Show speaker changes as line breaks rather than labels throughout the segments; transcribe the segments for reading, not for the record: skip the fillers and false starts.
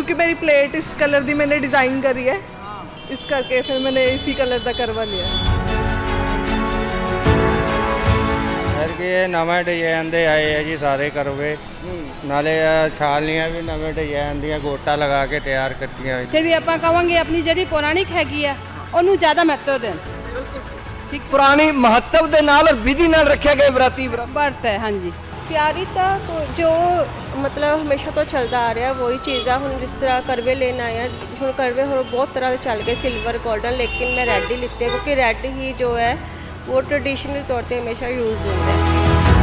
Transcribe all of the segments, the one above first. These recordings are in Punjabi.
क्योंकि मेरी प्लेट इस कलर की मैंने डिज़ाइन करी है, इस करके फिर मैंने इसी कलर का करवा लिया।
सर कि ये नवे डिजाइन दे आए है जी सारे करवे, नाले छालियाँ भी नवे डिजाइन दी गोटा लगा के तैयार करती।
फिर भी आप कहेंगे अपनी जी पौराणिक हैगी है ਉਹਨੂੰ ज़्यादा महत्व दें।
ठीक पुरानी महत्व दे नाल और विधि नाल रखे गए व्रती
व्रत है। हाँ जी
ਤਿਆਰੀ ਤਾਂ ਜੋ ਮਤਲਬ ਹਮੇਸ਼ਾ ਤੋਂ ਚੱਲਦਾ ਆ ਰਿਹਾ ਵਹੀ ਚੀਜ਼ ਆ। ਹੁਣ ਜਿਸ ਤਰ੍ਹਾਂ ਕਰਵੇ ਲੈਣ ਆਇਆ, ਹੁਣ ਕਰਵੇ ਹੋਰ ਬਹੁਤ ਤਰ੍ਹਾਂ ਦੇ ਚੱਲ ਗਏ, ਸਿਲਵਰ 골ਡਨ, ਲੇਕਿਨ ਮੈਂ ਰੈੱਡ ਹੀ ਲਿੱਤੇ ਕਿਉਂਕਿ ਰੈੱਡ ਹੀ ਜੋ ਹੈ ਉਹ ਟ੍ਰੈਡੀਸ਼ਨਲ ਤੌਰ ਤੇ ਹਮੇਸ਼ਾ ਯੂਜ਼ ਹੁੰਦਾ ਹੈ।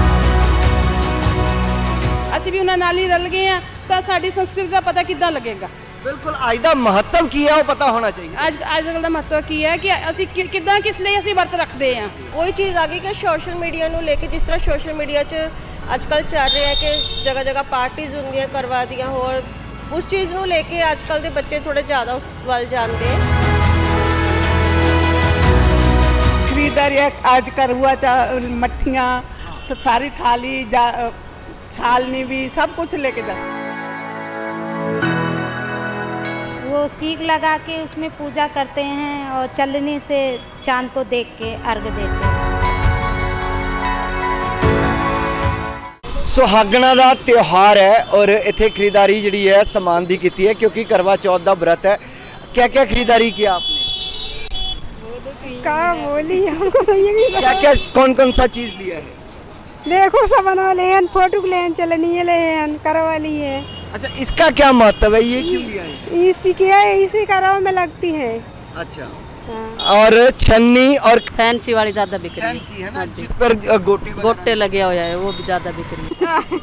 ਅਸੀਂ ਵੀ ਉਹਨਾਂ ਨਾਲ ਹੀ ਰਲ ਗਏ ਆ ਤਾਂ ਸਾਡੀ ਸੰਸਕ੍ਰਿਤੀ ਦਾ ਪਤਾ ਕਿੱਦਾਂ ਲੱਗੇਗਾ।
बिल्कुल आज का महत्व की है वो पता होना चाहिए।
ਅੱਜ ਦਾ ਮਹੱਤਵ ਕੀ ਹੈ ਕਿ ਅਸੀਂ ਕਿੱਦਾਂ ਕਿਸ ਲਈ ਅਸੀਂ ਵਰਤ ਰੱਖਦੇ ਆ।
ਉਹੀ ਚੀਜ਼ ਆ ਗਈ ਕਿ ਸੋਸ਼ਲ ਮੀਡੀਆ ਨੂੰ ਲੈ ਕੇ, ਜਿਸ ਤਰ੍ਹਾਂ ਸੋਸ਼ਲ ਮੀਡੀਆ 'ਚ ਅੱਜ ਕੱਲ੍ਹ ਚੱਲ ਰਿਹਾ ਕਿ ਜਗ੍ਹਾ ਜਗ੍ਹਾ ਪਾਰਟੀਜ਼ ਹੁੰਦੀਆਂ ਕਰਵਾ ਦੀਆਂ, ਹੋਰ ਉਸ ਚੀਜ਼ ਨੂੰ ਲੈ ਕੇ ਅੱਜ ਕੱਲ੍ਹ ਦੇ ਬੱਚੇ ਥੋੜੇ ਜ਼ਿਆਦਾ ਉਸ ਵੱਲ ਜਾਂਦੇ ਆ।
खरीदारी आज करुआ मट्ठियाँ सारी थाली छालनी भी सब कुछ लेके जा।
वो सीख लगा के उसमें पूजा करते हैं और चलनी से चांद को देख के अर्घ देते हैं।
सुहागना का त्यौहार है और इतने खरीदारी जी है समान की की है क्योंकि करवा चौथ का व्रत है। क्या क्या खरीदारी किया आपने?
क्या बोली हमको
क्या क्या कौन कौन सा चीज़ लिया है?
देखो सामान वाले हैं, फोटो ले हैं, चलनी ले हैं, करवा ली है।
अच्छा इसका क्या महत्व है, ये क्यों लिया है?
इसी क्या है, इसी करवा में लगती है।
अच्छा और छन्नी और
फैंसी वाली ज़्यादा बिक रही
फैंसी है ना,
हाँ जी।
जिस पर
गोटे लगे हुए हैं वो भी ज़्यादा बिक रही है।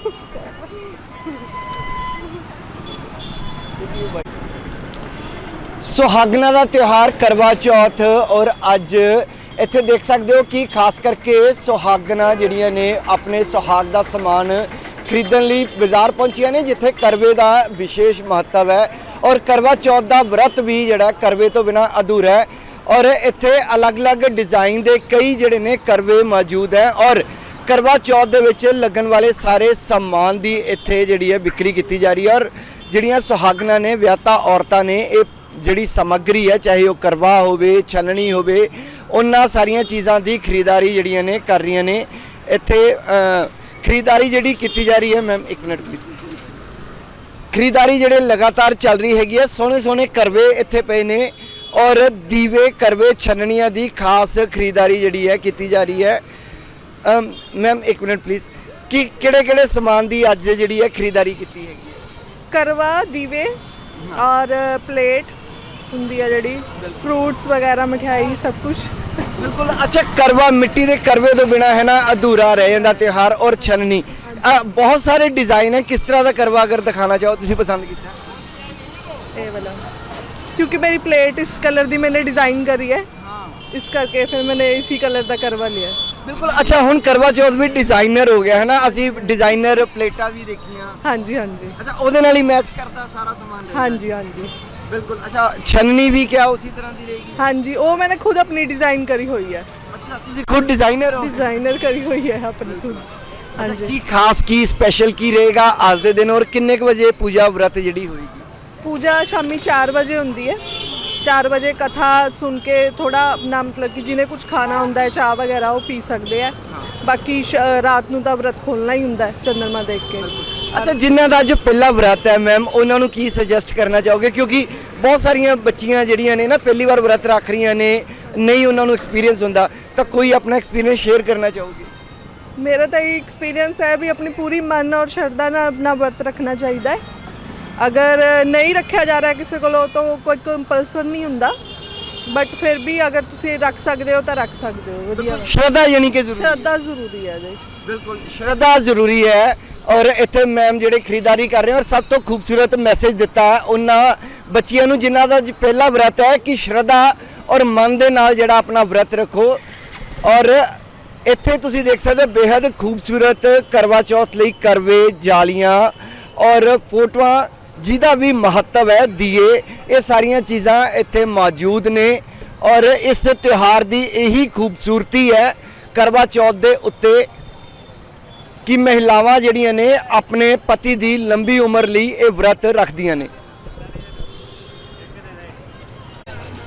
सुहागना का त्यौहार करवा चौथ और अज इत्थे देख सकते हो कि खास करके सुहागना जिहड़ियां ने अपने सुहाग का समान खरीदण लई बाज़ार पहुंचिया ने, जिथे करवे का विशेष महत्व है और करवा चौथ का व्रत भी जिहड़ा करवे तो बिना अधूरा है। और इत्थे अलग अलग डिज़ाइन के कई जिहड़े ने करवे मौजूद हैं और करवा चौथ दे विच लगन वाले सारे समान की इत्थे जिहड़ी है बिक्री की जा रही है। और जिहड़ियां सुहागना ने विआहता औरतां ने ये जिहड़ी समग्री है, चाहे वो करवा होवे छलनी होवे, उन्हां सारियां चीज़ां की खरीदारी जिहड़ियां ने कर रही ने। इत्थे खरीदारी जिहड़ी की जा रही है, मैम एक मिनट प्लीज़, खरीदारी जिहड़े लगातार चल रही हैगी है। सोहने सोहने करवे इत्थे पे ने और दीवे करवे छन्नियां की खास खरीदारी जिहड़ी है की जा रही है। मैम एक मिनट प्लीज़, कि किहड़े समान की अज जिहड़ी है खरीदारी की हैगी है?
करवा, दीवे और प्लेट हुंदी है जिहड़ी, फ्रूट्स वगैरह, मिठाई, सब कुछ।
बिल्कुल। अच्छा करवा मिट्टी के करवे तो बिना है ना अधूरा रह जाता त्यौहार। और छन्नी बहुत सारे डिज़ाइन है, किस तरह का करवा अगर दिखाना चाहो तुसीं पसंद किया?
ये वाला क्योंकि मेरी प्लेट इस कलर की मैंने डिज़ाइन करी है, इस करके फिर मैंने इसी कलर का करवा लिया।
बिल्कुल। अच्छा हुण करवा चौथ भी डिज़ाइनर हो गया है ना, असी डिज़ाइनर प्लेटा भी देखियां।
हाँ जी हाँ जी।
अच्छा उहदे नाल ही मैच करता सारा सामान?
हाँ जी हाँ जी
बिल्कुल। अच्छा छन्नी भी क्या उसी तरह की रहेगी?
हाँ जी, वो मैंने खुद अपनी डिज़ाइन करी हुई है।
अच्छा तुसीं खुद डिज़ाइनर हो?
डिज़ाइनर करी हुई है अपनी खुद। हाँ
अच्छा
जी।
की खास की स्पेशल की रहेगा आज के दिन और किन्ने क बजे पूजा व्रत जिहड़ी होएगी?
पूजा शामी 4 बजे होंदी है। 4 बजे कथा सुन के थोड़ा अपना मतलब कि जिन्हें कुछ खाना होंदा है, चाह वगैरह वो पी सकते हैं। बाकी रात नूं तां व्रत खोलना ही होंदा है चंद्रमा देख के।
अच्छा जिन्हां दा जो पहला व्रत है मैम, उन्हां नूं की सजेस्ट करना चाहोगे? क्योंकि बहुत सारियां बच्चियां जिहड़ियां ने ना पहली बार व्रत रख रही ने, नहीं उन्हां नूं एक्सपीरियंस होंदा, तो कोई अपना एक्सपीरियंस शेयर करना चाहोगे?
मेरा तो ये एक्सपीरियंस है भी अपनी पूरी मन और श्रद्धा नाल अपना व्रत रखना चाहिए। अगर नहीं रखा जा रहा किसी को तो कोई कंपल्सन नहीं होंदा, बट फिर भी अगर तुसीं रख सकते हो तो रख सकते हो। वधिया
श्रद्धा यानी कि
श्रद्धा जरूरी है।
बिल्कुल श्रद्धा जरूरी है। और इत्थे मैम जिहड़े खरीदारी कर रहे हैं और सब तो खूबसूरत मैसेज दिता है उन्हां बच्चियां नूं जिन्हां दा पहला व्रत है कि श्रद्धा और मन दे नाल जिहड़ा अपना व्रत रखो। और इत्थे तुसीं देख सकते हो बेहद खूबसूरत करवा चौथ लई करवे, जालियां और फोटोआं जिहदा भी महत्व है, दिए, ये सारियां चीज़ां इत्थे मौजूद ने। और इस त्यौहार की यही खूबसूरती है करवा चौथ दे उत्ते कि महिलावां जिहड़ियां ने अपने पति की लंबी उम्र लई ये व्रत रखदियां ने।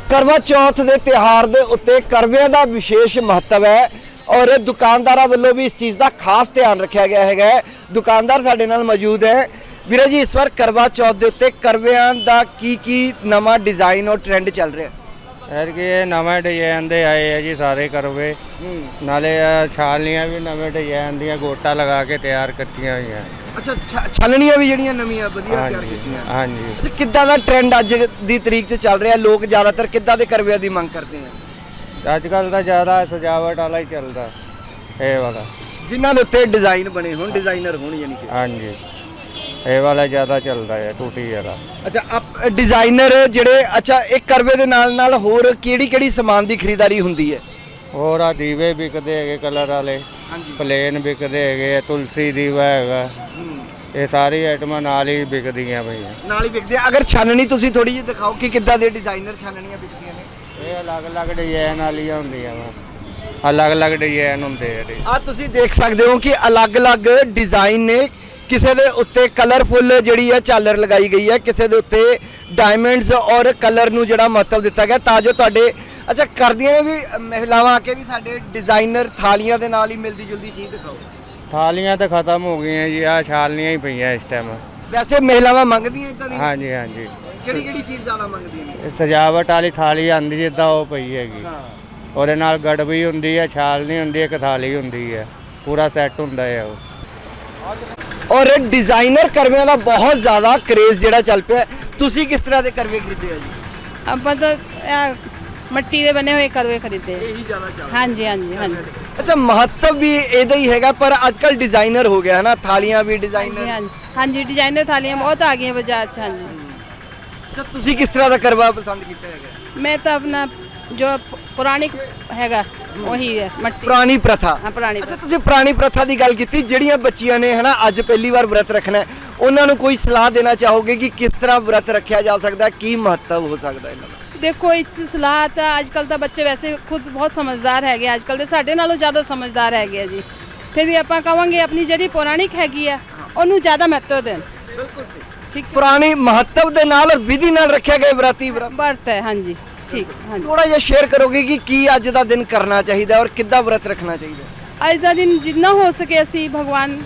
ਕਰਵਾ ਚੌਥ ਦੇ ਤਿਉਹਾਰ ਦੇ ਉੱਤੇ ਕਰਵਿਆਂ ਦਾ ਵਿਸ਼ੇਸ਼ ਮਹੱਤਵ ਹੈ ਔਰ ਦੁਕਾਨਦਾਰਾਂ ਵੱਲੋਂ ਵੀ ਇਸ ਚੀਜ਼ ਦਾ ਖਾਸ ਧਿਆਨ ਰੱਖਿਆ ਗਿਆ ਹੈਗਾ। ਦੁਕਾਨਦਾਰ ਸਾਡੇ ਨਾਲ ਮੌਜੂਦ ਹੈ। ਵੀਰੇ ਜੀ, ਇਸ ਵਾਰ ਕਰਵਾ ਚੌਥ ਦੇ ਉੱਤੇ ਕਰਵਿਆਂ ਦਾ ਕੀ ਨਵਾਂ ਡਿਜ਼ਾਈਨ ਔਰ ਟ੍ਰੈਂਡ ਚੱਲ ਰਿਹਾ?
ਐਰ ਕਿ ਇਹ ਨਵੇਂ ਡਿਜ਼ਾਈਨ ਦੇ ਆਏ ਆ ਜੀ ਸਾਰੇ ਕਰਵੇ, ਨਾਲੇ ਇਹ ਛਾਲੀਆਂ ਵੀ ਨਵੇਂ ਡਿਜ਼ਾਈਨ ਦੀਆਂ ਗੋਟਾ ਲਗਾ ਕੇ ਤਿਆਰ ਕੀਤੀਆਂ ਹੋਈਆਂ।
ਅੱਛਾ, ਛਾਲਣੀਆਂ ਵੀ ਜਿਹੜੀਆਂ ਨਵੀਆਂ ਵਧੀਆ ਤਿਆਰ
ਹਾਂਜੀ
ਕੀਤੀਆਂ।
ਹਾਂਜੀ।
ਅੱਛਾ, ਕਿੱਦਾਂ ਦਾ ਟ੍ਰੈਂਡ ਅੱਜ ਦੀ ਤਰੀਕ 'ਚ ਚੱਲ ਰਿਹਾ? ਲੋਕ ਜ਼ਿਆਦਾਤਰ ਕਿੱਦਾਂ ਦੇ ਕਰਵਿਆਂ ਦੀ ਮੰਗ ਕਰਦੇ ਆ?
ਅੱਜ ਕੱਲ੍ਹ ਤਾਂ ਜ਼ਿਆਦਾ ਸਜਾਵਟ ਵਾਲਾ ਹੀ ਚੱਲਦਾ ਇਹ ਵਾਲਾ,
ਜਿਨ੍ਹਾਂ ਦੇ ਉੱਤੇ ਡਿਜ਼ਾਈਨ ਬਣੇ ਹੋਣ, ਡਿਜ਼ਾਈਨਰ ਹੋਣ ਯਾਨੀ ਕਿ।
ਹਾਂਜੀ ਇਹ ਵਾਲਾ ਜ਼ਿਆਦਾ ਚੱਲਦਾ ਹੈ, ਟੂਟੀ ਵਾਲਾ।
ਅੱਛਾ, ਆਪ ਡਿਜ਼ਾਈਨਰ ਜਿਹੜੇ, ਅੱਛਾ ਇਹ ਕਰਵੇ ਦੇ ਨਾਲ ਹੋਰ ਕਿਹੜੀ ਸਮਾਨ ਦੀ ਖਰੀਦਦਾਰੀ ਹੁੰਦੀ ਹੈ?
ਹੋਰ ਆ ਦੀਵੇ ਵਿਕਦੇ ਹੈਗੇ ਕਲਰ ਵਾਲੇ, ਪਲੇਨ ਵਿਕਦੇ ਹੈਗੇ, ਤੁਲਸੀ ਦੀਵਾ ਹੈਗਾ, ਇਹ ਸਾਰੀ ਆਈਟਮਾਂ ਨਾਲ ਹੀ ਵਿਕਦੀਆਂ ਪਈਆਂ।
ਨਾਲ ਹੀ ਵਿਕਦੇ ਆ। ਅਗਰ ਛਾਨਣੀ ਤੁਸੀਂ ਥੋੜੀ ਜਿਹੀ ਦਿਖਾਓ ਕਿ ਕਿੱਦਾਂ ਦੇ ਡਿਜ਼ਾਈਨਰ ਛਾਨਣੀਆਂ ਵਿਕਦੀਆਂ ਨੇ?
ਇਹ ਅਲੱਗ-ਅਲੱਗ ਡਿਜ਼ਾਈਨ ਵਾਲੀਆਂ ਹੁੰਦੀਆਂ ਵਾ, ਅਲੱਗ-ਅਲੱਗ ਡਿਜ਼ਾਈਨ ਹੁੰਦੇ ਆ।
ਆ ਤੁਸੀਂ ਦੇਖ ਸਕਦੇ ਹੋ ਕਿ ਅਲੱਗ-ਅਲੱਗ ਡਿਜ਼ਾਈਨ ਨੇ। ਕਿਸੇ ਦੇ ਉੱਤੇ ਕਲਰਫੁੱਲ ਜਿਹੜੀ ਹੈ ਝਾਲਰ ਲਗਾਈ ਗਈ ਹੈ, ਕਿਸੇ ਦੇ ਉੱਤੇ ਡਾਇਮੰਡਸ ਔਰ ਕਲਰ ਨੂੰ ਜਿਹੜਾ ਮਹੱਤਵ ਦਿੱਤਾ ਗਿਆ ਤਾਂ ਜੋ ਤੁਹਾਡੇ ਅੱਛਾ ਕਰਦੀਆਂ ਵੀ ਮਹਿਲਾਵਾਂ ਆ ਕੇ ਵੀ ਸਾਡੇ ਡਿਜ਼ਾਈਨਰ ਥਾਲੀਆਂ ਦੇ ਨਾਲ ਹੀ ਮਿਲਦੀ ਜੁਲਦੀ ਚੀਜ਼ ਦਿਖਾਓ।
ਥਾਲੀਆਂ ਤਾਂ ਖਤਮ ਹੋ ਗਈਆਂ ਜੀ, ਆਹ ਛਾਲੀਆਂ ਹੀ ਪਈਆਂ ਇਸ ਟਾਈਮ।
ਵੈਸੇ ਮਹਿਲਾਵਾਂ ਮੰਗਦੀਆਂ ਇਦਾਂ ਦੀ?
ਹਾਂਜੀ ਹਾਂਜੀ।
ਕਿਹੜੀ ਚੀਜ਼ ਜ਼ਿਆਦਾ ਮੰਗਦੀਆਂ ਨੇ?
ਇਹ ਸਜਾਵਟ ਵਾਲੀ ਥਾਲੀ ਆਂਦੀ ਜਿੱਦਾਂ ਉਹ ਪਈ ਹੈਗੀ, ਉਹਦੇ ਨਾਲ ਗੜਵੀ ਹੁੰਦੀ ਹੈ, ਛਾਲਣੀ ਹੁੰਦੀ ਹੈ, ਇੱਕ ਥਾਲੀ ਹੁੰਦੀ ਹੈ, ਪੂਰਾ ਸੈੱਟ ਹੁੰਦਾ ਹੈ ਉਹ।
ਔਰ ਡਿਜ਼ਾਈਨਰ ਕਰਵਿਆਂ ਦਾ ਬਹੁਤ ਜ਼ਿਆਦਾ ਕ੍ਰੇਜ਼ ਜਿਹੜਾ ਚੱਲ ਪਿਆ। ਤੁਸੀਂ ਕਿਸ ਤਰ੍ਹਾਂ ਦੇ ਕਰਵੇ ਖਰੀਦੇ ਆ ਜੀ?
ਆਪਾਂ ਤਾਂ ਮਿੱਟੀ ਦੇ ਬਣੇ ਹੋਏ ਕਰਵੇ ਖਰੀਦੇ।
ਇਹੀ ਜ਼ਿਆਦਾ ਚੱਲ
ਹਾਂਜੀ ਹਾਂਜੀ ਹਾਂਜੀ
ਅੱਛਾ, ਮਹੱਤਵ ਵੀ ਇਹਦਾ ਹੀ ਹੈਗਾ, ਪਰ ਅੱਜ ਕੱਲ ਡਿਜ਼ਾਈਨਰ ਹੋ ਗਿਆ ਹੈ ਨਾ, ਥਾਲੀਆਂ ਵੀ ਡਿਜ਼ਾਈਨਰ।
ਹਾਂਜੀ ਹਾਂਜੀ, ਡਿਜ਼ਾਈਨਰ ਥਾਲੀਆਂ ਬਹੁਤ ਆ ਗਈਆਂ ਬਾਜ਼ਾਰ 'ਚ। ਹਾਂਜੀ।
ਅੱਛਾ, ਤੁਸੀਂ ਕਿਸ ਤਰ੍ਹਾਂ ਦਾ ਕਰਵਾ ਪਸੰਦ ਕੀਤਾ ਹੈਗਾ?
ਮੈਂ ਤਾਂ ਆਪਣਾ ਜੋ ਪੁਰਾਣੀ ਹੈਗਾ ਉਹੀ ਹੈ, ਮਿੱਟੀ
ਪੁਰਾਣੀ ਪ੍ਰਥਾ।
ਹਾਂ, ਪੁਰਾਣੀ
ਅੱਛਾ, ਤੁਸੀਂ ਪੁਰਾਣੀ ਪ੍ਰਥਾ ਦੀ ਗੱਲ ਕੀਤੀ। ਜਿਹੜੀਆਂ ਬੱਚੀਆਂ ਨੇ ਹਨਾ ਅੱਜ ਪਹਿਲੀ ਵਾਰ ਵਰਤ ਰੱਖਣਾ ਹੈ, ਉਹਨਾਂ ਨੂੰ ਕੋਈ ਸਲਾਹ ਦੇਣਾ ਚਾਹੋਗੇ ਕਿ ਕਿਸ ਤਰ੍ਹਾਂ ਵਰਤ ਰੱਖਿਆ ਜਾ ਸਕਦਾ, ਕੀ ਮਹੱਤਵ ਹੋ ਸਕਦਾ ਇਹਨਾਂ ਦਾ?
ਦੇਖੋ, ਇਸ ਸਲਾਹ ਤਾਂ ਅੱਜ ਕੱਲ੍ਹ ਤਾਂ ਬੱਚੇ ਵੈਸੇ ਖੁਦ ਬਹੁਤ ਸਮਝਦਾਰ ਹੈਗੇ, ਅੱਜ ਕੱਲ੍ਹ ਦੇ ਸਾਡੇ ਨਾਲੋਂ ਜ਼ਿਆਦਾ ਸਮਝਦਾਰ ਹੈਗੇ ਆ ਜੀ। ਫਿਰ ਵੀ ਆਪਾਂ ਕਹਾਂਗੇ ਆਪਣੀ ਜਿਹੜੀ ਪੌਰਾਣਿਕ ਹੈਗੀ ਆ ਉਹਨੂੰ ਜ਼ਿਆਦਾ ਮਹੱਤਵ ਦੇਣ।
ਬਿਲਕੁਲ ਸਹੀ।
ਠੀਕ,
ਪੁਰਾਣੀ ਮਹੱਤਵ ਦੇ ਨਾਲ ਵਿਧੀ ਨਾਲ ਰੱਖਿਆ ਗਿਆ ਵਰਤੀ
ਵਰਤ ਹੈ। ਹਾਂਜੀ, ਠੀਕ। ਹਾਂਜੀ,
ਥੋੜਾ ਜਿਹਾ ਸ਼ੇਅਰ ਕਰੋਗੇ ਕਿ ਕੀ ਅੱਜ ਦਾ ਦਿਨ ਕਰਨਾ ਚਾਹੀਦਾ ਔਰ ਕਿੱਦਾਂ ਵਰਤ ਰੱਖਣਾ ਚਾਹੀਦਾ?
ਅੱਜ ਦਾ ਦਿਨ ਜਿੰਨਾ ਹੋ ਸਕੇ ਅਸੀਂ ਭਗਵਾਨ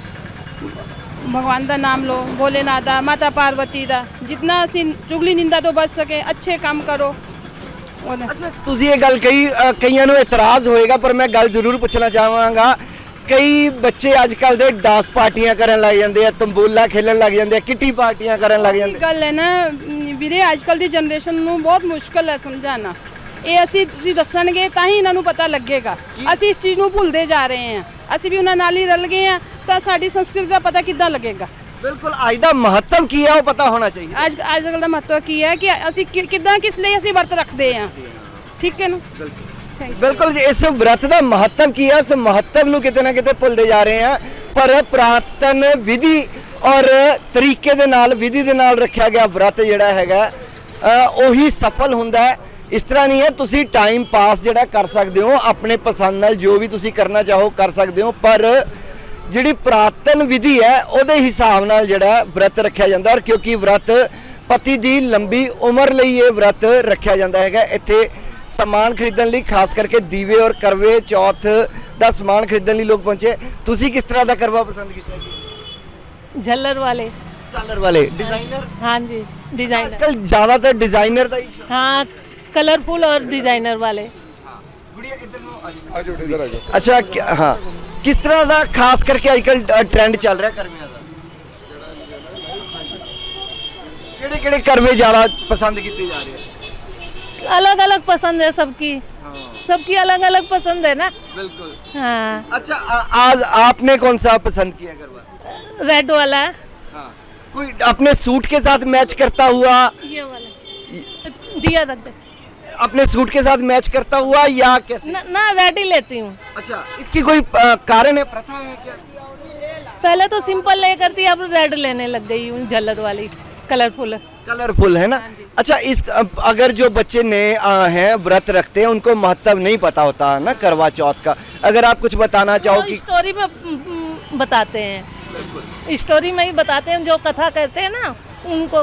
ਦਾ ਨਾਮ ਲਓ, ਭੋਲੇਨਾਥ ਦਾ, ਮਾਤਾ ਪਾਰਵਤੀ ਦਾ, ਜਿੰਨਾ ਅਸੀਂ ਚੁਗਲੀ ਨਿੰਦਾ ਤੋਂ ਬਚ ਸਕੇ ਅੱਛੇ ਕੰਮ ਕਰੋ।
ਅੱਛਾ, ਤੁਸੀਂ ਇਹ ਗੱਲ ਕਹੀ, ਕਈਆਂ ਨੂੰ ਇਤਰਾਜ਼ ਹੋਏਗਾ ਪਰ ਮੈਂ ਗੱਲ ਜ਼ਰੂਰ ਪੁੱਛਣਾ ਚਾਹਾਂਗਾ। ਕਈ ਬੱਚੇ ਅੱਜ ਕੱਲ ਦੇ ਡਾਂਸ ਪਾਰਟੀਆਂ ਕਰਨ ਲੱਗ ਜਾਂਦੇ ਆ, ਤੰਬੋਲਾ ਖੇਲਣ ਲੱਗ ਜਾਂਦੇ ਆ, ਕਿੱਟੀ ਪਾਰਟੀਆਂ ਕਰਨ ਲੱਗ ਜਾਂਦੇ।
ਗੱਲ ਹੈ ਨਾ ਵੀਰੇ, ਅੱਜ ਕੱਲ ਦੀ ਜਨਰੇਸ਼ਨ ਨੂੰ ਬਹੁਤ ਮੁਸ਼ਕਲ ਹੈ ਸਮਝਾਉਣਾ। ਇਹ ਤੁਸੀਂ ਦੱਸਣਗੇ ਤਾਂ ਹੀ ਇਹਨਾਂ ਨੂੰ ਪਤਾ ਲੱਗੇਗਾ। ਅਸੀਂ ਇਸ ਚੀਜ਼ ਨੂੰ ਭੁੱਲਦੇ ਜਾ ਰਹੇ ਹਾਂ, ਅਸੀਂ ਵੀ ਉਹਨਾਂ ਨਾਲ ਹੀ ਰਲ ਗਏ ਹਾਂ, ਤਾਂ ਸਾਡੀ ਸੰਸਕ੍ਰਿਤੀ ਦਾ ਪਤਾ ਕਿੱਦਾਂ ਲੱਗੇਗਾ?
ਬਿਲਕੁਲ, ਅੱਜ ਦਾ ਮਹੱਤਵ ਕੀ ਹੈ ਉਹ ਪਤਾ ਹੋਣਾ ਚਾਹੀਦਾ।
ਅੱਜ ਕੱਲ ਦਾ ਮਹੱਤਵ ਕੀ ਹੈ ਕਿ ਅਸੀਂ ਕਿੱਦਾਂ, ਕਿਸ ਲਈ ਅਸੀਂ ਵਰਤ ਰੱਖਦੇ ਹਾਂ। ਠੀਕ ਹੈ ਨਾ?
ਬਿਲਕੁਲ ਜੀ, ਇਸ ਵਰਤ ਦਾ ਮਹੱਤਵ ਕੀ ਹੈ, ਇਸ ਮਹੱਤਵ ਨੂੰ ਕਿਤੇ ਨਾ ਕਿਤੇ ਭੁੱਲਦੇ ਜਾ ਰਹੇ ਆ। ਪਰ ਪੁਰਾਤਨ ਵਿਧੀ ਔਰ ਤਰੀਕੇ ਦੇ ਨਾਲ, ਵਿਧੀ ਦੇ ਨਾਲ ਰੱਖਿਆ ਗਿਆ ਵਰਤ ਜਿਹੜਾ ਹੈਗਾ ਉਹੀ ਸਫਲ ਹੁੰਦਾ ਹੈ। ਇਸ ਤਰ੍ਹਾਂ ਨਹੀਂ ਹੈ, ਤੁਸੀਂ ਟਾਈਮ ਪਾਸ ਜਿਹੜਾ ਕਰ ਸਕਦੇ ਹੋ ਆਪਣੇ ਪਸੰਦ ਨਾਲ, ਜੋ ਵੀ ਤੁਸੀਂ ਕਰਨਾ ਚਾਹੋ ਕਰ ਸਕਦੇ ਹੋ, ਪਰ ਜਿਹੜੀ ਪੁਰਾਤਨ ਵਿਧੀ ਹੈ ਉਹਦੇ ਹਿਸਾਬ ਨਾਲ ਜਿਹੜਾ ਵਰਤ ਰੱਖਿਆ ਜਾਂਦਾ। ਔਰ ਕਿਉਂਕਿ ਵਰਤ ਪਤੀ ਦੀ ਲੰਬੀ ਉਮਰ ਲਈ ਇਹ ਵਰਤ ਰੱਖਿਆ ਜਾਂਦਾ ਹੈਗਾ। ਇੱਥੇ ਸਮਾਨ ਖਰੀਦਣ ਲਈ ਖਾਸ ਕਰਕੇ ਦੀਵੇ ਔਰ ਕਰਵੇ ਚੌਥ ਦਾ ਸਮਾਨ ਖਰੀਦਣ ਲਈ ਲੋਕ ਪਹੁੰਚੇ। ਤੁਸੀਂ ਕਿਸ ਤਰ੍ਹਾਂ ਦਾ ਕਰਵਾ ਪਸੰਦ ਕੀਤਾ ਜੀ?
झल्लर वाले।
ਝਾਲਰ ਵਾਲੇ डिजाइनर?
हाँ जी, डिजाइनर।
आजकल ज्यादातर डिजाइनर ਦਾ ਹੀ।
हाँ, कलरफुल और डिजाइनर वाले।
ਗੁੜੀਆ ਇੱਧਰ ਨੂੰ ਆ ਜਾਓ, ਇੱਧਰ ਆ ਜਾਓ। ਅੱਛਾ, ਹਾਂ, ਕਿਸ ਤਰ੍ਹਾਂ ਦਾ ਖਾਸ ਕਰਕੇ ਅੱਜਕੱਲ ਟ੍ਰੈਂਡ ਚੱਲ ਰਿਹਾ ਕਰਵਿਆਂ ਦਾ? ਕਿਹੜੇ ਕਰਵੇ ਜ਼ਿਆਦਾ ਪਸੰਦ ਕੀਤੇ ਜਾ ਰਹੇ ਆ?
अलग अलग पसंद है सबकी, सबकी अलग अलग पसंद है ना।
बिल्कुल।
हाँ।
अच्छा, आज आपने कौन सा पसंद किया करवा?
रेड वाला।
हाँ। कोई अपने सूट के साथ मैच करता हुआ?
ये वाला दिया रख दे।
अपने सूट के साथ मैच करता हुआ या कैसे?
ना रेड ही लेती हूँ।
अच्छा, इसकी कोई कारण है, प्रथा है क्या?
पहले तो सिंपल ले करती, अब रेड लेने लग गई हूँ, झल्लर वाली कलरफुल है ना। अच्छा, इस अगर जो बच्चे नए हैं व्रत रखते हैं उनको महत्व नहीं पता होता है ना करवा चौथ का, अगर आप कुछ बताना चाहो कि? स्टोरी में बताते हैं, स्टोरी में ही बताते हैं, जो कथा कहते हैं ना उनको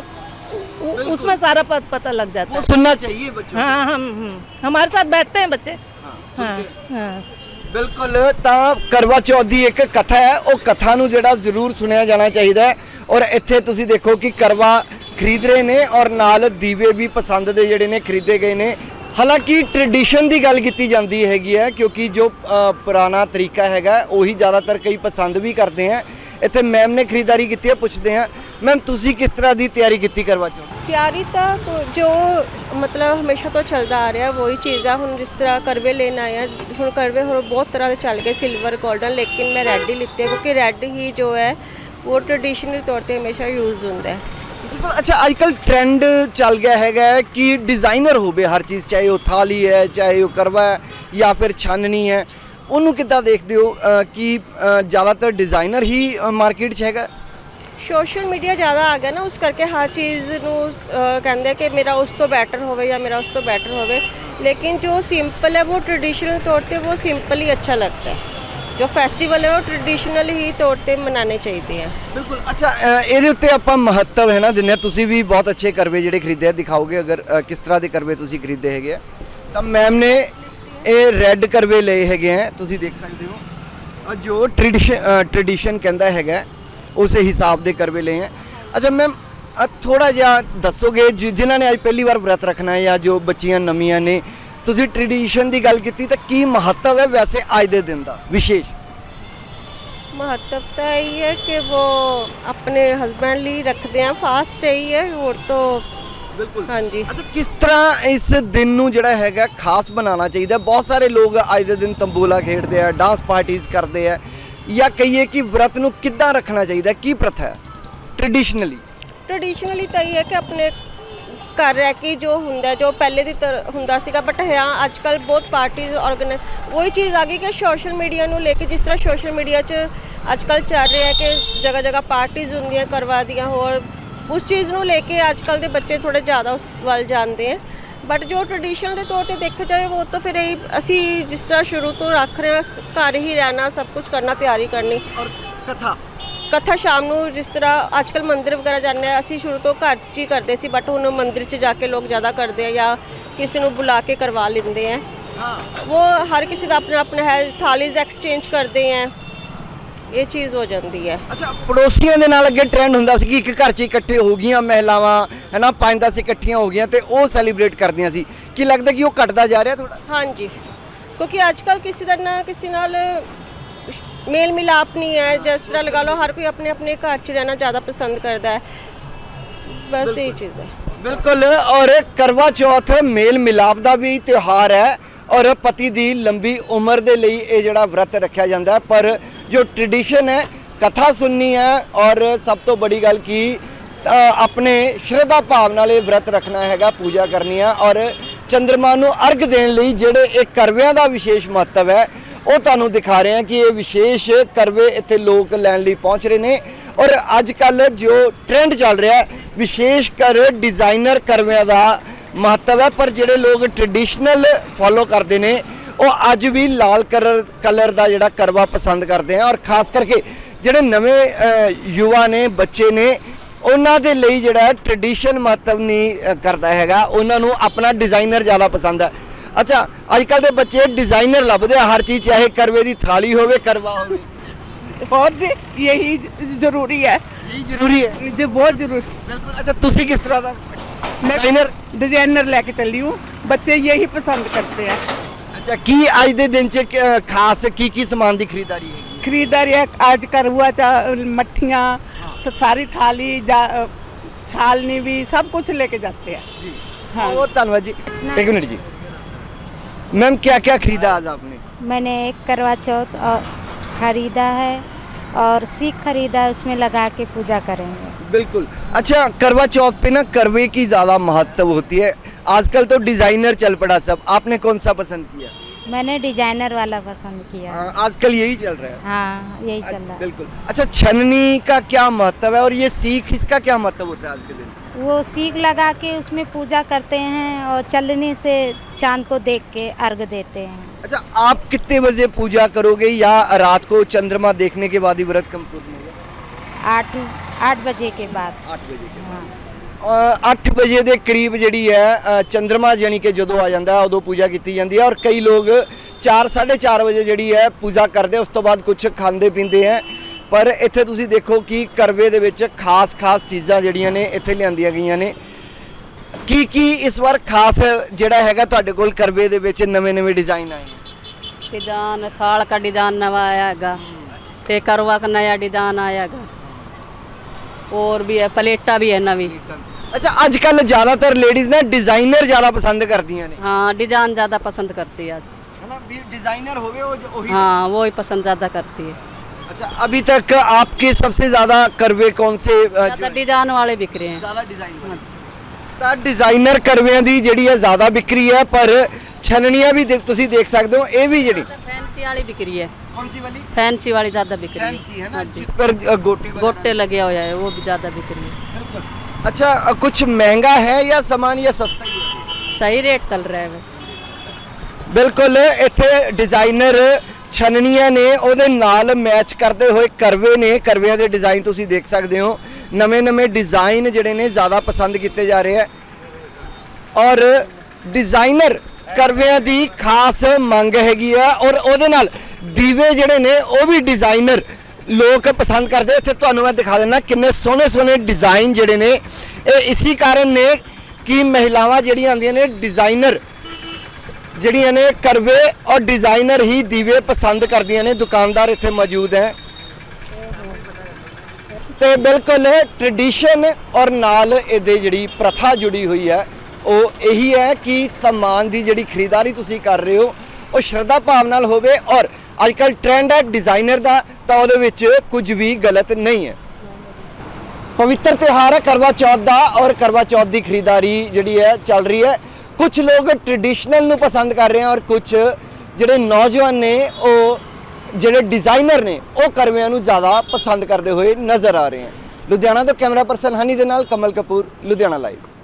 उसमें सारा पता लग जाता
वो
है।
सुनना चाहिए बच्चों
हाँ हमारे साथ बैठते हैं बच्चे।
को। हाँ,
हाँ
सुनते हैं।
हाँ
ਬਿਲਕੁਲ ਤਾਂ ਕਰਵਾ ਚੌਥ ਦੀ ਇੱਕ ਕਥਾ ਹੈ, ਉਹ ਕਥਾ ਨੂੰ ਜਿਹੜਾ ਜ਼ਰੂਰ ਸੁਣਿਆ ਜਾਣਾ ਚਾਹੀਦਾ ਹੈ। ਔਰ ਇੱਥੇ ਤੁਸੀਂ ਦੇਖੋ ਕਿ ਕਰਵਾ ਖਰੀਦ ਰਹੇ ਨੇ ਔਰ ਨਾਲ ਦੀਵੇ ਵੀ ਪਸੰਦ ਦੇ ਜਿਹੜੇ ਨੇ ਖਰੀਦੇ ਗਏ ਨੇ। ਹਾਲਾਂਕਿ ਟ੍ਰੈਡੀਸ਼ਨ ਦੀ ਗੱਲ ਕੀਤੀ ਜਾਂਦੀ ਹੈਗੀ ਹੈ, ਕਿਉਂਕਿ ਜੋ ਪੁਰਾਣਾ ਤਰੀਕਾ ਹੈਗਾ ਉਹੀ ਜ਼ਿਆਦਾਤਰ ਕਈ ਪਸੰਦ ਵੀ ਕਰਦੇ ਆ। ਇੱਥੇ ਮੈਮ ਨੇ ਖਰੀਦਦਾਰੀ ਕੀਤੀ ਹੈ, ਪੁੱਛਦੇ ਹਾਂ ਮੈਮ ਤੁਸੀਂ ਕਿਸ ਤਰ੍ਹਾਂ ਦੀ ਤਿਆਰੀ ਕੀਤੀ ਕਰਵਾ ਚੌਥ?
ਤਿਆਰੀ ਤਾਂ ਜੋ ਮਤਲਬ ਹਮੇਸ਼ਾ ਤੋਂ ਚੱਲਦਾ ਆ ਰਿਹਾ ਵਹੀ ਚੀਜ਼ ਆ। ਹੁਣ ਜਿਸ ਤਰ੍ਹਾਂ ਕਰਵੇ ਲੈਣ ਆਏ ਆ, ਹੁਣ ਕਰਵੇ ਹੋਰ ਬਹੁਤ ਤਰ੍ਹਾਂ ਦੇ ਚੱਲ ਗਏ, ਸਿਲਵਰ 골ਡਨ, ਲੇਕਿਨ ਮੈਂ ਰੈੱਡ ਹੀ ਲਿੱਤੇ ਕਿਉਂਕਿ ਰੈੱਡ ਹੀ ਜੋ ਹੈ ਉਹ ਟ੍ਰੈਡੀਸ਼ਨਲ ਤੌਰ ਤੇ ਹਮੇਸ਼ਾ ਯੂਜ਼ ਹੁੰਦਾ ਹੈ।
ਬਿਲਕੁਲ। ਅੱਛਾ, ਅੱਜ ਕੱਲ ਟ੍ਰੈਂਡ ਚੱਲ ਗਿਆ ਹੈਗਾ ਹੈ ਕਿ ਡਿਜ਼ਾਈਨਰ ਹੋਵੇ ਹਰ ਚੀਜ਼, ਚਾਹੇ ਉਹ ਥਾਲੀ ਹੈ, ਚਾਹੇ ਉਹ ਕਰਵਾ ਹੈ ਜਾਂ ਫਿਰ ਛਾਨਣੀ ਹੈ। ਉਹਨੂੰ ਕਿੱਦਾਂ ਦੇਖਦੇ ਹੋ ਕਿ ਜ਼ਿਆਦਾਤਰ ਡਿਜ਼ਾਈਨਰ ਹੀ ਮਾਰਕੀਟ 'ਚ ਹੈਗਾ?
ਸੋਸ਼ਲ ਮੀਡੀਆ ਜ਼ਿਆਦਾ ਆ ਗਿਆ ਨਾ, ਉਸ ਕਰਕੇ ਹਰ ਚੀਜ਼ ਨੂੰ ਕਹਿੰਦੇ ਕਿ ਮੇਰਾ ਉਸ ਤੋਂ ਬੈਟਰ ਹੋਵੇ ਜਾਂ ਮੇਰਾ ਉਸ ਤੋਂ ਬੈਟਰ ਹੋਵੇ, ਲੇਕਿਨ ਜੋ ਸਿੰਪਲ ਹੈ ਉਹ ट्रेडिशनल तौर पे वो सिंपल ही अच्छा लगता है। जो फेस्टिवल है वो ट्रेडिशनल ही तौर पे मनाने चाहिए हैं।
ਬਿਲਕੁਲ। ਅੱਛਾ, ਇਹਦੇ ਉੱਤੇ ਆਪਾਂ ਮਹੱਤਵ ਹੈ ਨਾ ਦਿੰਦੇ ਹਾਂ। ਤੁਸੀਂ ਵੀ ਬਹੁਤ ਅੱਛੇ ਕਰਵੇ ਜਿਹੜੇ ਖਰੀਦੇ ਆ, ਦਿਖਾਓਗੇ ਅਗਰ ਕਿਸ ਤਰ੍ਹਾਂ ਦੇ ਕਰਵੇ ਤੁਸੀਂ ਖਰੀਦੇ ਹੈਗੇ ਆ। ਤਾਂ ਮੈਮ ਨੇ ਇਹ ਰੈੱਡ ਕਰਵੇ ਲਏ ਹੈਗੇ ਆ, ਤੁਸੀਂ ਦੇਖ ਸਕਦੇ ਹੋ। ਜੋ ਟ੍ਰੈਡੀਸ਼ਨ ਕਹਿੰਦਾ ਹੈਗਾ ਉਸੇ ਹਿਸਾਬ ਦੇ ਕਰਵੇ ਲਏ ਹੈ। ਅੱਛਾ ਮੈਮ, ਥੋੜਾ ਜਿਹਾ ਦੱਸੋਗੇ ਜਿਨ੍ਹਾਂ ਨੇ ਅੱਜ ਪਹਿਲੀ ਵਾਰ ਵਰਤ ਰੱਖਣਾ ਹੈ ਜਾਂ ਜੋ ਬੱਚੀਆਂ ਨਵੀਆਂ ਨੇ, ਤੁਸੀਂ ਟ੍ਰੈਡੀਸ਼ਨ ਦੀ ਗੱਲ ਕੀਤੀ ਤਾਂ ਕੀ ਮਹੱਤਵ ਹੈ ਵੈਸੇ ਅੱਜ ਦੇ ਦਿਨ ਦਾ ਵਿਸ਼ੇਸ਼?
महत्वता यही है कि वो अपने हस्बैंड लिए रखते हैं, फास्ट यही है और तो
ਬਿਲਕੁਲ।
हाँ जी।
ਅੱਛਾ, ਕਿਸ ਤਰ੍ਹਾਂ ਇਸ ਦਿਨ ਨੂੰ ਜਿਹੜਾ ਹੈਗਾ ਖਾਸ ਬਣਾਉਣਾ ਚਾਹੀਦਾ? ਬਹੁਤ ਸਾਰੇ ਲੋਕ ਅੱਜ ਦੇ ਦਿਨ ਤੰਬੋਲਾ ਖੇਡਦੇ ਆ, ਡਾਂਸ ਪਾਰਟੀਆਂ ਕਰਦੇ ਆ, ਜਾਂ ਕਹੀਏ ਕਿ ਵਰਤ ਨੂੰ ਕਿੱਦਾਂ ਰੱਖਣਾ ਚਾਹੀਦਾ? ਕੀ ਪ੍ਰਥਾ ਹੈ ਟ੍ਰੈਡੀਸ਼ਨਲੀ?
ट्रेडिशनली ਤਾਂ ਇਹ ਹੈ ਕਿ ਆਪਣੇ ਘਰ ਰਹਿ ਕੇ ਜੋ ਹੁੰਦਾ, ਜੋ ਪਹਿਲੇ ਦੀ ਤਰ੍ਹਾਂ ਹੁੰਦਾ ਸੀਗਾ, ਬਟ ਹਾਂ ਅੱਜ ਕੱਲ ਬਹੁਤ ਪਾਰਟੀਜ਼ ਆਰਗੇਨਾਈਜ਼ ਉਹੀ ਚੀਜ਼ ਆ ਗਈ ਕਿ ਸੋਸ਼ਲ ਮੀਡੀਆ ਨੂੰ ਲੈ ਕੇ, ਜਿਸ ਤਰ੍ਹਾਂ ਸੋਸ਼ਲ ਮੀਡੀਆ 'ਚ ਅੱਜ ਕੱਲ ਚੱਲ ਰਿਹਾ ਕਿ ਜਗ੍ਹਾ ਜਗ੍ਹਾ ਪਾਰਟੀਜ਼ ਹੁੰਦੀਆਂ ਕਰਵਾ ਦੀਆਂ, ਹੋਰ ਉਸ ਚੀਜ਼ ਨੂੰ ਲੈ ਕੇ ਅੱਜ ਕੱਲ ਦੇ ਬੱਚੇ ਥੋੜੇ ਜ਼ਿਆਦਾ ਉਸ ਵੱਲ ਜਾਂਦੇ ਆ। ਬਟ ਜੋ ਟ੍ਰੈਡੀਸ਼ਨਲ ਦੇ ਤੌਰ ਤੇ ਦੇਖਿਆ ਜਾਏ ਉਹ ਤਾਂ ਫਿਰ ਇਹ ਅਸੀਂ ਜਿਸ ਤਰ੍ਹਾਂ ਸ਼ੁਰੂ ਤੋਂ ਰੱਖ ਰਹੇ ਹਾਂ, ਘਰ ਹੀ ਰਹਿਣਾ, ਸਭ ਕੁਝ ਕਰਨਾ, ਤਿਆਰੀ ਕਰਨੀ।
ਔਰ ਕਥਾ
ਸ਼ਾਮ ਨੂੰ ਜਿਸ ਤਰ੍ਹਾਂ ਅੱਜ ਕੱਲ ਮੰਦਿਰ ਵਗੈਰਾ ਜਾਂਦੇ ਆ, ਅਸੀਂ ਸ਼ੁਰੂ ਤੋਂ ਘਰ 'ਚ ਹੀ ਕਰਦੇ ਸੀ, ਬਟ ਹੁਣ ਮੰਦਿਰ 'ਚ ਜਾ ਕੇ ਲੋਕ ਜ਼ਿਆਦਾ ਕਰਦੇ ਆ ਜਾਂ ਕਿਸੇ ਨੂੰ ਬੁਲਾ ਕੇ ਕਰਵਾ ਲੈਂਦੇ ਆ। ਉਹ ਹਰ ਕਿਸੇ ਦਾ ਆਪਣਾ ਆਪਣਾ ਹੈ, ਥਾਲੀਜ਼ ਐਕਸਚੇਂਜ ਕਰਦੇ ਆ, ਇਹ ਚੀਜ਼ ਹੋ ਜਾਂਦੀ ਹੈ।
ਅੱਛਾ, ਪੜੋਸੀਆਂ ਦੇ ਨਾਲ ਅੱਗੇ ਟ੍ਰੈਂਡ ਹੁੰਦਾ ਸੀ ਕਿ ਇੱਕ ਘਰ 'ਚ ਇਕੱਠੇ ਹੋ ਗਈਆਂ ਮਹਿਲਾਵਾਂ ਹੈ ਨਾ, 5-10 ਇਕੱਠੀਆਂ ਹੋ ਗਈਆਂ ਤੇ ਉਹ ਸੈਲੀਬ੍ਰੇਟ ਕਰਦੀਆਂ ਸੀ। ਕੀ ਲੱਗਦਾ ਕਿ ਉਹ ਘਟਦਾ ਜਾ ਰਿਹਾ ਥੋੜਾ?
ਹਾਂਜੀ, ਕਿਉਂਕਿ ਅੱਜ ਕੱਲ ਕਿਸੇ ਦਾ ਨਾ ਕਿਸੇ ਨਾਲ ਮੇਲ ਮਿਲਾਪ ਨਹੀਂ ਹੈ। ਜਿਸ ਤਰ੍ਹਾਂ ਲਗਾ ਲਓ ਹਰ ਕੋਈ ਆਪਣੇ ਆਪਣੇ ਘਰ 'ਚ ਰਹਿਣਾ ਜ਼ਿਆਦਾ ਪਸੰਦ ਕਰਦਾ ਹੈ, ਬਸ ਇਹ ਚੀਜ਼ ਹੈ।
ਬਿਲਕੁਲ। ਔਰ ਕਰਵਾ ਚੌਥ ਮੇਲ ਮਿਲਾਪ ਦਾ ਵੀ ਤਿਉਹਾਰ ਹੈ ਔਰ ਪਤੀ ਦੀ ਲੰਬੀ ਉਮਰ ਦੇ ਲਈ ਇਹ ਜਿਹੜਾ ਵਰਤ ਰੱਖਿਆ ਜਾਂਦਾ ਹੈ। ਪਰ ਜੋ ਟ੍ਰੈਡੀਸ਼ਨ ਹੈ, ਕਥਾ ਸੁਣਨੀ ਹੈ ਔਰ ਸਭ ਤੋਂ ਬੜੀ ਗੱਲ ਕੀ ਆਪਣੇ ਸ਼ਰਧਾ ਭਾਵ ਨਾਲ ਇਹ ਵਰਤ ਰੱਖਣਾ ਹੈਗਾ, ਪੂਜਾ ਕਰਨੀ ਹੈ ਔਰ ਚੰਦਰਮਾ ਨੂੰ ਅਰਘ ਦੇਣ ਲਈ ਜਿਹੜੇ ਇਹ ਕਰਵਿਆਂ ਦਾ ਵਿਸ਼ੇਸ਼ ਮਹੱਤਵ ਹੈ ਉਹ ਤੁਹਾਨੂੰ ਦਿਖਾ ਰਹੇ ਹਾਂ ਕਿ ਇਹ ਵਿਸ਼ੇਸ਼ ਕਰਵੇ ਇੱਥੇ ਲੋਕ ਲੈਣ ਲਈ ਪਹੁੰਚ ਰਹੇ ਨੇ। ਔਰ ਅੱਜ ਕੱਲ ਜੋ ਟ੍ਰੈਂਡ ਚੱਲ ਰਿਹਾ ਹੈ, ਵਿਸ਼ੇਸ਼ ਕਰ ਡਿਜ਼ਾਈਨਰ ਕਰਵਿਆਂ ਦਾ ਮਹੱਤਵ ਹੈ, ਪਰ ਜਿਹੜੇ ਲੋਕ ਟ੍ਰੈਡੀਸ਼ਨਲ ਫੋਲੋ ਕਰਦੇ ਨੇ ਉਹ ਅੱਜ ਵੀ ਲਾਲ ਕਲਰ ਦਾ ਜਿਹੜਾ ਕਰਵਾ ਪਸੰਦ ਕਰਦੇ ਆ। ਔਰ ਖਾਸ ਕਰਕੇ ਜਿਹੜੇ ਨਵੇਂ ਯੁਵਾ ਨੇ, ਬੱਚੇ ਨੇ, ਉਹਨਾਂ ਦੇ ਲਈ ਜਿਹੜਾ ਟ੍ਰੈਡੀਸ਼ਨ ਮਹੱਤਵ ਨਹੀਂ ਕਰਦਾ ਹੈਗਾ, ਉਹਨਾਂ ਨੂੰ ਆਪਣਾ ਡਿਜ਼ਾਈਨਰ ਜ਼ਿਆਦਾ ਪਸੰਦ ਹੈ। ਅੱਛਾ, ਅੱਜ ਕੱਲ ਦੇ ਬੱਚੇ ਡਿਜ਼ਾਈਨਰ ਲੱਭਦੇ ਆ ਹਰ ਚੀਜ਼, ਚਾਹੇ ਕਰਵੇ ਦੀ ਥਾਲੀ ਹੋਵੇ, ਕਰਵਾ ਹੋਵੇ।
और जी यही ज़रूरी है,
ਇਹ ਜ਼ਰੂਰੀ ਹੈ
जो बहुत ज़रूरी।
ਬਿਲਕੁਲ। ਅੱਛਾ, ਤੁਸੀਂ ਕਿਸ ਤਰ੍ਹਾਂ ਦਾ
मैं
ਡਿਜ਼ਾਈਨਰ?
डिजाइनर लेके चली हूँ, बच्चे यही पसंद करते हैं।
ਅੱਛਾ, ਕੀ ਅੱਜ ਦੇ ਦਿਨ 'ਚ ਖਾਸ ਕੀ ਸਮਾਨ ਦੀ ਖਰੀਦਦਾਰੀ ਹੈਗੀ?
खरीदारी है आज करवा चा मट्ठियाँ, सारी थाली छालनी भी सब कुछ लेके जाते हैं।
जी
हाँ।
बहुत धन्यवाद जी। एक मिनट जी मैम, क्या क्या खरीदा आज आपने?
मैंने एक करवा चौथ और खरीदा है और सीख खरीदा है, उसमें लगा के पूजा करेंगे।
बिल्कुल। अच्छा, करवा चौथ पे ना करवे की ज़्यादा महत्व होती है, आजकल तो डिज़ाइनर चल पड़ा सब, आपने कौन सा पसंद किया?
मैंने डिजाइनर वाला पसंद किया।
हाँ, आजकल यही चल रहा है।
हाँ, यही चल रहा है।
बिल्कुल। अच्छा, छननी का क्या महत्व है और ये सीख, इसका क्या महत्व होता है आज के दिन?
वो सीख लगा के उसमें पूजा करते हैं और चलनी से चांद को देख के अर्घ देते हैं।
अच्छा, आप कितने बजे पूजा करोगे या रात को चंद्रमा देखने के बाद ही व्रत कंप्लीट होगा?
8 बजे के बाद।
8 बजे के बाद।
हाँ।
8 ਵਜੇ ਦੇ ਕਰੀਬ ਜਿਹੜੀ ਹੈ ਚੰਦਰਮਾ ਯਾਨੀ ਕਿ ਜਦੋਂ ਆ ਜਾਂਦਾ ਉਦੋਂ ਪੂਜਾ ਕੀਤੀ ਜਾਂਦੀ ਹੈ ਔਰ ਕਈ ਲੋਕ 4 4:30 ਵਜੇ ਜਿਹੜੀ ਹੈ ਪੂਜਾ ਕਰਦੇ, ਉਸ ਤੋਂ ਬਾਅਦ ਕੁਝ ਖਾਂਦੇ ਪੀਂਦੇ ਹੈ। ਪਰ ਇੱਥੇ ਤੁਸੀਂ ਦੇਖੋ ਕਿ ਕਰਵੇ ਦੇ ਵਿੱਚ ਖਾਸ ਚੀਜ਼ਾਂ ਜਿਹੜੀਆਂ ਨੇ ਇੱਥੇ ਲਿਆਂਦੀਆਂ ਗਈਆਂ ਨੇ। ਕੀ ਇਸ ਵਾਰ ਖਾਸ ਜਿਹੜਾ ਹੈਗਾ ਤੁਹਾਡੇ ਕੋਲ ਕਰਵੇ ਦੇ ਵਿੱਚ ਨਵੇਂ ਡਿਜ਼ਾਈਨ ਆਏ ਨੇ?
डिजाइन थाल का डिजाइन नवा आएगा, ते करवा का नया डिजाइन आएगा, और भी है प्लेटा भी है नवी।
अच्छा, आजकल ज़्यादातर लेडीज़ ना डिज़ाइनर ज़्यादा पसंद करती हैं।
हाँ डिजाइन ज़्यादा पसंद करती है आज,
है ना, भी डिज़ाइनर होवे वही।
हाँ वही पसंद ज़्यादा करती है।
अच्छा, अभी तक आपके सबसे ज़्यादा करवे कौन से
ज़्यादा डिजाइन वाले बिक रहे हैं।
ज़्यादा डिज़ाइन ਤਾਂ ਡਿਜ਼ਾਈਨਰ ਕਰਵਿਆਂ ਦੀ ਜਿਹੜੀ ਹੈ ਜ਼ਿਆਦਾ ਵਿਕਰੀ ਹੈ, ਪਰ ਛਲਣੀਆਂ ਵੀ ਤੁਸੀਂ ਦੇਖ ਸਕਦੇ ਹੋ। ਇਹ ਵੀ ਜਿਹੜੀ
फैंसी वाली बिक रही है।
कौन सी वाली?
फैंसी वाली ज़्यादा बिक रही
फैंसी है
है,
ना,
हाँ जी।
जिस पर गोटे
गोटे लगे हुए हैं वो भी ज़्यादा बिक रही है।
बिल्कुल। अच्छा, कुछ महंगा है या सामान या सस्ता ही है?
सही रेट चल रहा है बस।
ਬਿਲਕੁਲ ਇੱਥੇ ਡਿਜ਼ਾਈਨਰ ਛਨਣੀਆਂ ਨੇ ਉਹਦੇ ਨਾਲ ਮੈਚ ਕਰਦੇ ਹੋਏ ਕਰਵੇ ਨੇ। ਕਰਵਿਆਂ ਦੇ ਡਿਜ਼ਾਈਨ ਤੁਸੀਂ ਦੇਖ ਸਕਦੇ ਹੋ। ਨਵੇਂ ਡਿਜ਼ਾਈਨ ਜਿਹੜੇ ਨੇ ਜ਼ਿਆਦਾ ਪਸੰਦ ਕੀਤੇ ਜਾ ਰਹੇ ਹੈ ਔਰ ਡਿਜ਼ਾਈਨਰ ਕਰਵਿਆਂ ਦੀ ਖਾਸ ਮੰਗ ਹੈਗੀ ਆ ਔਰ ਉਹਦੇ ਨਾਲ ਦੀਵੇ ਜਿਹੜੇ ਨੇ ਉਹ ਵੀ ਡਿਜ਼ਾਈਨਰ ਲੋਕ ਪਸੰਦ ਕਰਦੇ। ਇੱਥੇ ਤੁਹਾਨੂੰ ਮੈਂ ਦਿਖਾ ਦਿੰਦਾ ਕਿੰਨੇ ਸੋਹਣੇ ਡਿਜ਼ਾਈਨ ਜਿਹੜੇ ਨੇ। ਇਹ ਇਸੇ ਕਾਰਨ ਨੇ ਕਿ ਮਹਿਲਾਵਾਂ ਜਿਹੜੀਆਂ ਆਉਂਦੀਆਂ ਨੇ ਡਿਜ਼ਾਈਨਰ ਜਿਹੜੀਆਂ ਨੇ ਕਰਵੇ ਔਰ ਡਿਜ਼ਾਈਨਰ ਹੀ ਦੀਵੇ ਪਸੰਦ ਕਰਦੀਆਂ ਨੇ। ਦੁਕਾਨਦਾਰ ਇੱਥੇ ਮੌਜੂਦ ਹੈ ਤੇ ਬਿਲਕੁਲ ਟ੍ਰੈਡੀਸ਼ਨ ਔਰ ਨਾਲ ਇਹਦੇ ਜਿਹੜੀ ਪ੍ਰਥਾ ਜੁੜੀ ਹੋਈ ਹੈ ਉਹ ਇਹੀ ਹੈ ਕਿ ਸਮਾਨ ਦੀ ਜਿਹੜੀ ਖਰੀਦਦਾਰੀ ਤੁਸੀਂ ਕਰ ਰਹੇ ਹੋ ਉਹ ਸ਼ਰਧਾ ਭਾਵ ਨਾਲ ਹੋਵੇ ਔਰ ਅੱਜਕੱਲ ਟ੍ਰੈਂਡ ਹੈ ਡਿਜ਼ਾਈਨਰ ਦਾ, ਤਾਂ ਉਹਦੇ ਵਿੱਚ ਕੁਝ ਵੀ ਗਲਤ ਨਹੀਂ ਹੈ। ਪਵਿੱਤਰ ਤਿਉਹਾਰ ਹੈ ਕਰਵਾ ਚੌਥ ਦਾ ਔਰ ਕਰਵਾ ਚੌਥ ਦੀ ਖਰੀਦਦਾਰੀ ਜਿਹੜੀ ਹੈ ਚੱਲ ਰਹੀ ਹੈ। ਕੁਝ ਲੋਕ ਟ੍ਰੈਡੀਸ਼ਨਲ ਨੂੰ ਪਸੰਦ ਕਰ ਰਹੇ ਹਨ ਔਰ ਕੁਝ ਜਿਹੜੇ ਨੌਜਵਾਨ ਨੇ ਉਹ ਜਿਹੜੇ ਡਿਜ਼ਾਈਨਰ ਨੇ ਉਹ ਕਰਵਿਆਂ ਨੂੰ ਜ਼ਿਆਦਾ ਪਸੰਦ ਕਰਦੇ ਹੋਏ ਨਜ਼ਰ ਆ ਰਹੇ ਹਨ। ਲੁਧਿਆਣਾ ਤੋਂ ਕੈਮਰਾ ਪਰਸਨ ਹਨੀ ਦੇ ਨਾਲ ਕਮਲ ਕਪੂਰ, ਲੁਧਿਆਣਾ ਲਾਈਵ।